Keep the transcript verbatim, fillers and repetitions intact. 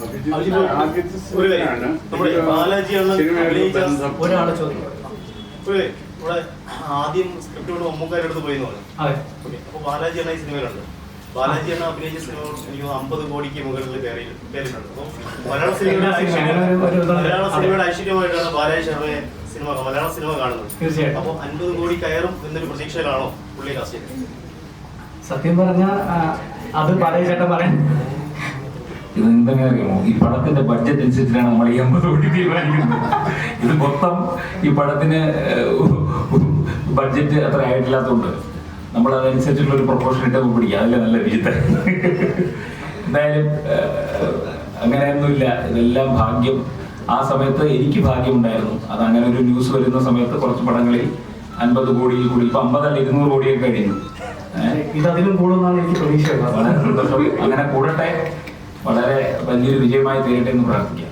ഒരാളെ ചോദിക്കും ഇവിടെ ആദ്യം സ്ക്രിപ്റ്റ് മമ്മൂക്കാരുടെ അടുത്ത് പോയി പറഞ്ഞു. അപ്പൊ ബാലാജി എന്ന ഈ സിനിമയിലുണ്ട്. ബാലാജി എന്ന അഭിനയിച്ച സിനിമ എനിക്ക് അമ്പത് കോടിക്ക് മുകളിൽ കയറിയിട്ടുണ്ട്. അപ്പൊ മലയാള സിനിമയുടെ മലയാള സിനിമയുടെ ഐശ്വര്യമായിട്ടാണ് ബാലാജി ശർമ്മയെ സിനിമ മലയാള സിനിമ കാണുന്നത്. അപ്പൊ അൻപത് കോടി കയറും എന്നൊരു പ്രതീക്ഷയിലാണോ പുള്ളി കാസ്റ്റ് ചെയ്തത്? സത്യം പറഞ്ഞ അത് ബാലാജി ചേട്ടൻ പറയാൻ ഇത് എന്തെങ്കിലും അറിയാമോ, ഈ പടത്തിന്റെ ബഡ്ജറ്റ് അനുസരിച്ചിട്ടാണ് നമ്മൾ ഈ അമ്പത് കോടി തീരുമാനിക്കുന്നത്. ഇത് മൊത്തം ഈ പടത്തിന് ബഡ്ജറ്റ് അത്ര ആയിട്ടില്ലാത്തതുകൊണ്ട് നമ്മൾ അതനുസരിച്ചുള്ള ഒരു പ്രൊപ്പോർഷൻ ഇട്ട് പിടിക്കുക. അതല്ലേ നല്ല വിചിത്രം. എന്തായാലും അങ്ങനെയൊന്നുമില്ല, ഇതെല്ലാം ഭാഗ്യം. ആ സമയത്ത് എനിക്ക് ഭാഗ്യമുണ്ടായിരുന്നു. അത് അങ്ങനെ ഒരു ന്യൂസ് വരുന്ന സമയത്ത് കുറച്ച് പടങ്ങളിൽ അൻപത് കോടിയിൽ കൂടി ഇപ്പൊ അമ്പതല്ല ഇരുന്നൂറ് കോടിയൊക്കെ കഴിഞ്ഞു. ഇതധികം കൂടുമെന്നാണ് എനിക്ക് പ്രതീക്ഷ. വളരെ സന്തോഷം. അങ്ങനെ കൂടട്ടെ, വളരെ വലിയൊരു വിജയമായി തീരട്ടെ എന്ന് പ്രാർത്ഥിക്കാം.